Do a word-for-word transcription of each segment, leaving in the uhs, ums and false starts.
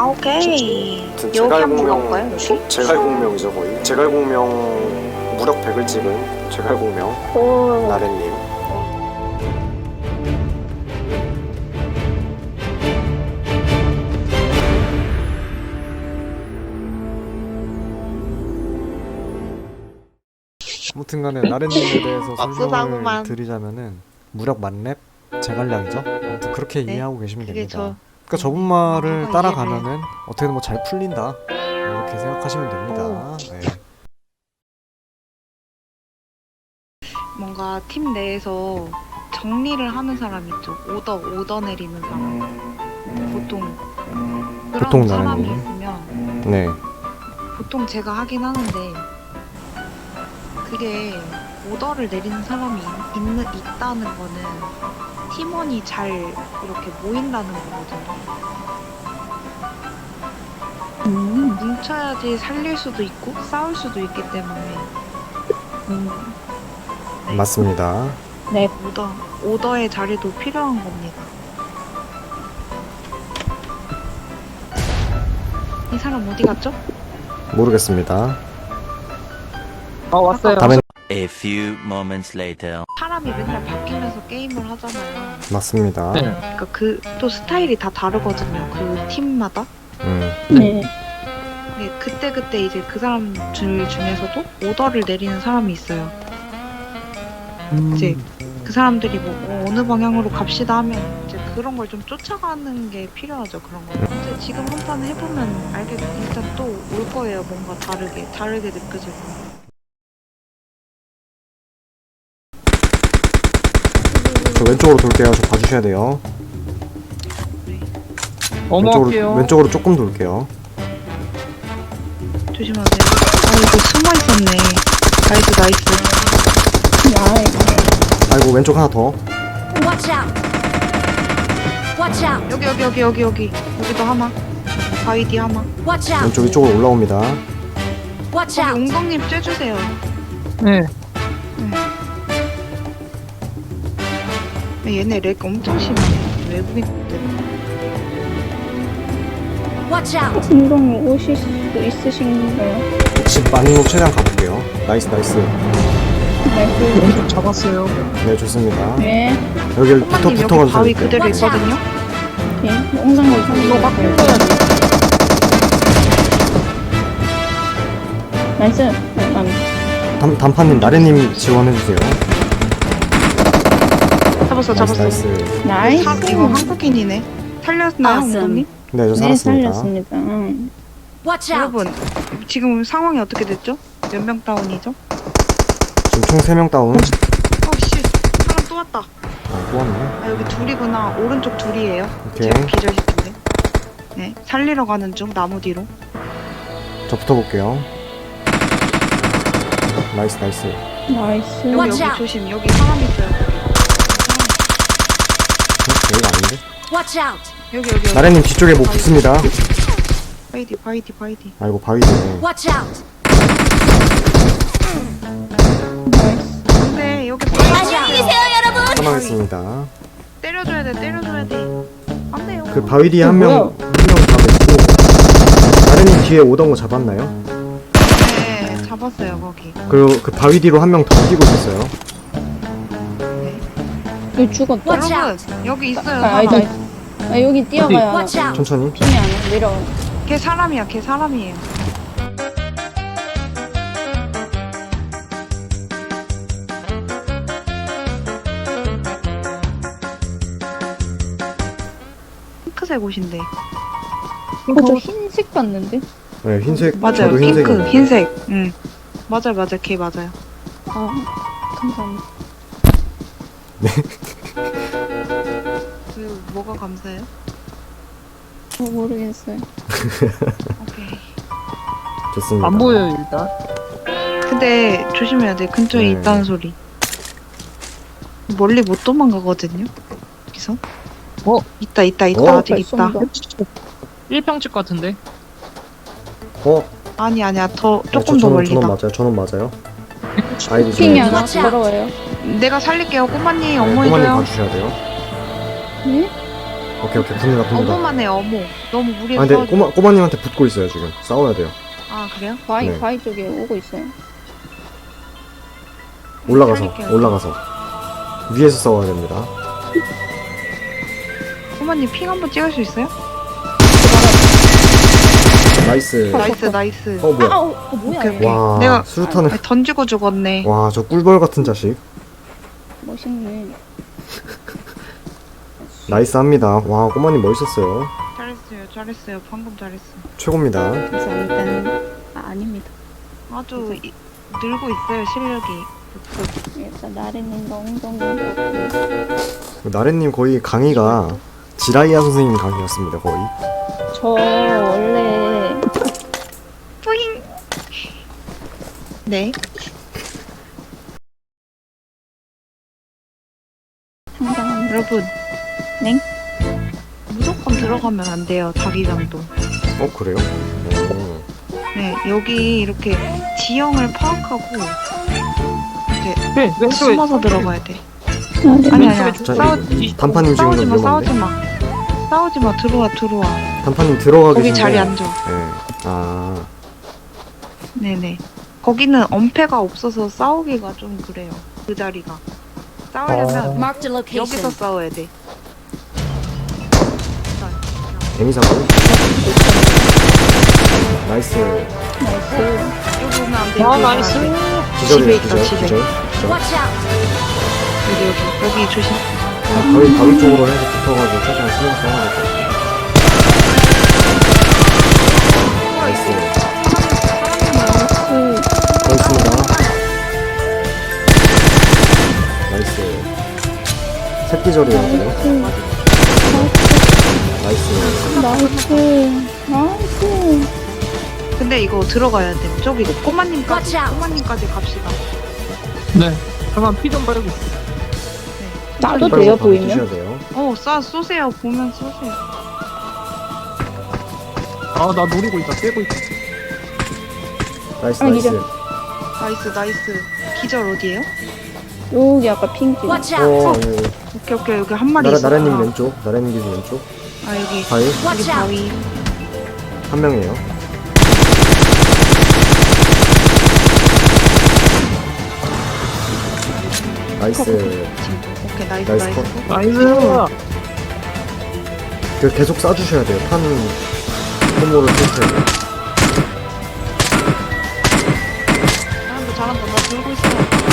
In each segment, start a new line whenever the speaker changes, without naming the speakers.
아, 오케이.
제-
여기
제갈
한번
공명,
가볼까요? 여기?
제갈 공명이죠 거의. 제갈 공명 무력 백을 찍은 제갈 공명
오.
나래님.
아무튼간에 나래님에 대해서 설명을
박수상만.
드리자면은 무력 만렙 제갈량이죠. 아무튼 그렇게
네,
이해하고 계시면
그게
됩니다.
저-
그러니까 저분 말을
아,
따라가면은 어떻게든 뭐 잘 풀린다 이렇게 생각하시면 됩니다. 네.
뭔가 팀 내에서 정리를 하는 사람 있죠. 오더 오더 내리는 사람. 보통 그런
보통
사람이
나라님.
있으면
네.
보통 제가 하긴 하는데 그게 오더를 내리는 사람이 있, 있는, 있다는 거는 팀원이 잘 이렇게 모인다는 거거든요.
음.
뭉쳐야지 살릴 수도 있고 싸울 수도 있기 때문에
음.
맞습니다.
네.
오더 오더의 자리도 필요한 겁니다. 이 사람 어디 갔죠?
모르겠습니다.
어, 왔어요.
다음엔
A few moments later.
사람이 맨날 바뀌면서 게임을 하잖아요.
맞습니다.
그러니까 그 또 스타일이 다 다르거든요. 그 팀마다.
음.
네.
근데 그때 그때 이제 그 사람들 중에서도 오더를 내리는 사람이 있어요. 이제 그 사람들이 뭐 어, 어느 방향으로 갑시다 하면 이제 그런 걸 좀 쫓아가는 게 필요하죠. 그런 거. 근데 지금 한 판 해보면 알게 일단 또 올 거예요. 뭔가 다르게 다르게 느껴지고.
저 왼쪽으로 돌게요. 저 봐주셔야 돼요. 왼쪽으로,
어머할게요.
왼쪽으로 조금 돌게요.
조심하세요. 아 이거 숨어 있었네. 나이스 나이스.
야,
아이고 왼쪽 하나 더.
Watch out! Watch out!
여기 여기 여기 여기 여기 여기도 하나. 바위 뒤 하나.
Watch out!
왼쪽 이쪽으로 올라옵니다.
Watch
여기
out!
웅덩님 쬐주세요.
네.
얘네 렉 엄청 심하네. 외국인들.
Watch out!
운동 오실 수 있으신가요?
집 많은 곳 최대한 가볼게요. 나이스 나이스.
네,
잡았어요.
네 좋습니다.
네,
여기 붙어
엄마님
붙어
여기 바위
가주세요.
그대로 있거든요.
네. 엉덩이
이거 막
잡으세요.
뜯어야 돼.
나이스. 아,
단, 단판님 나래님 지원해주세요.
잡았어
나이스
잡았어.
나이스.
나이스.
사, 이거 한국인이네. 살렸나요,
Awesome.
웅동님?
네 저
네,
살았습니다.
살렸습니다. 응.
Watch out!
여러분, 지금 상황이 어떻게 됐죠? 몇 명 다운이죠?
지금 총 세 명 다운.
어, 씨. 사람 또 왔다.
아, 또 왔네.
아, 여기 둘이구나. 오른쪽 둘이에요.
오케이.
제가 기절시킨데. 네, 살리러 가는 중, 나무 뒤로.
저 붙어볼게요. 나이스 나이스.
나이스.
여기,
Watch
여기
out.
조심. 여기 사람 있어요.
어, 여기가 아닌데?
Watch out!
여기, 여기, 여기.
나래님 뒤쪽에 뭐 붙습니다.
바이디, 바이디, 바이디.
아이고 바위네.
Watch out!
나이스.
근데 여기
안녕히 계세요, 여러분!
사망했습니다.
때려줘야 돼, 때려줘야 돼. 안 돼요.
그 바위 뒤에
어,
한 명,
뭐야?
한 명 다 냈고, 나래님 뒤에 오던 거 잡았나요?
네, 잡았어요, 거기.
그리고 그 바위 뒤로 한 명 더 뛰고 있었어요.
여기 죽었다.
Watch
여러분,
out!
여기 있어요,
아,
사람.
아니다. 아, 여기 뛰어가야
Watch out!
천천히.
핑이 안 와. 내려와.
걔 사람이야, 걔 사람이에요. 핑크색 옷인데.
어, 저 흰색 봤는데?
네, 흰색.
맞아요,
저도
핑크,
흰색인데.
흰색. 응. 맞아요, 맞아요, 걔 맞아요.
아, 감사합니다.
그, 뭐가 감사해요?
어, 모르겠어요.
오케이.
좋습니다.
안 보여요, 일단.
근데 조심해야 돼. 근처에
네.
있다는 소리. 멀리 못 도망가거든요. 여기서.
어?
있다, 있다, 있다.
어?
아직 있다.
발송도.
일 평집 같은데?
어?
아니, 아니야. 더,
네,
조금
저,
더
저는, 저는
멀리다.
맞아요. 저는 맞아요. 아이디
핑이
좀
안 와.
Watch out.
걸어와요.
내가 살릴게요. 꼬마님,
네,
업무
꼬마님
해줘요.
봐주셔야 돼요.
네?
오케이 오케이 붙는다 붙는다.
어머만해 어머. 너무 무리해.
아 근데 꼬마 꼬마님한테 붙고 있어요 지금. 싸워야 돼요.
아 그래요?
바위
네.
바위 쪽에 오고 있어요.
올라가서
살릴게요.
올라가서 위에서 싸워야 됩니다.
꼬마님 핑 한번 찍을 수 있어요?
나이스.
나이스 나이스.
어 뭐야?
아, 어, 어, 뭐야?
오케이,
얘.
오케이.
와
내가-
수류탄을.
아, 던지고 죽었네.
와 저 꿀벌 같은 자식.
멋있네.
나이스합니다. 와 꼬마님 멋있었어요.
잘했어요 잘했어요. 방금 잘했어.
최고입니다.
감사합니다. 아, 아닙니다.
아주 이, 늘고 있어요 실력이.
일단 나래님과 엉덩이.
나래님 거의 강의가 지라이아 선생님 강의였습니다 거의.
저 원래
뿌잉. 네.
상당합니다.
여러분.
네?
무조건 들어가면 안 돼요 자기장도.
어 그래요? 오.
네 여기 이렇게 지형을 파악하고
왜? 왼쪽에
숨어서 들어가야 돼.
나래
아니 아니야.
자,
싸우지
단판님 지금
싸우지 마 싸우지
위험한데?
마. 싸우지 마 들어와 들어와.
단판님 들어가
거기
계신데.
자리 앉아.
네. 아
네네. 거기는 엄폐가 없어서 싸우기가 좀 그래요. 그 자리가. 싸우려면
어.
Marked a
여기서
location.
싸워야 돼.
데미사고. 나이스.
나이스.
여기 오면 안 돼.
아
여기 오면
나이스.
안 돼.
기절이에요
집에 있다,
기절
집에.
기절.
Watch out.
여기 여기 여기 조심.
바위 바위 쪽으로 해서 붙어가지고 최대한 신경 써야 될 것 같아요. 나이스.
나이스.
고맙습니다. 나이스. 새끼절이에요 그래. 나이스.
나이스. 나이스.
근데 이거 들어가야 돼. 저기 꼬마님까지
Watch out.
꼬마님까지 갑시다.
네. 잠깐 피 좀 빨고.
나도
빨리
돼요
바로
보이면?
뛰셔야 돼요.
어, 쏴 쏘세요. 보면 쏘세요.
아 나 노리고 있다. 떼고 있다.
나이스
아,
나이스.
기절.
나이스 나이스. 기절 어디에요?
여기 아까 핑크.
Watch
어,
out.
예, 예.
오케이 오케이 여기 한 마리
나라,
있어.
나라님 왼쪽, 나라님 기준 왼쪽.
아 여기
바위
여기
Watch out.
바위.
한 명이에요. 나이스.
오케이 나이스
나이스
나이스.
컷.
나이스.
그 계속 쏴주셔야 돼요. 탄 소모를 쓰셔야 돼요.
잘한다 잘한다. 나 들고 있어.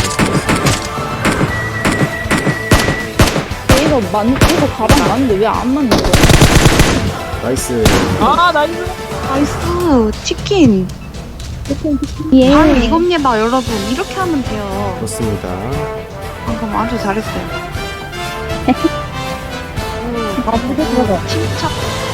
이거 맞 이거 가방 맞는데 왜 안 맞는 거야?
나이스.
아 나이스.
나이스 치킨.
예.
바로 이겁니다 여러분. 이렇게 하면 돼요.
좋습니다.
방금 아주 잘했어요.
아 무대 들어가.
침착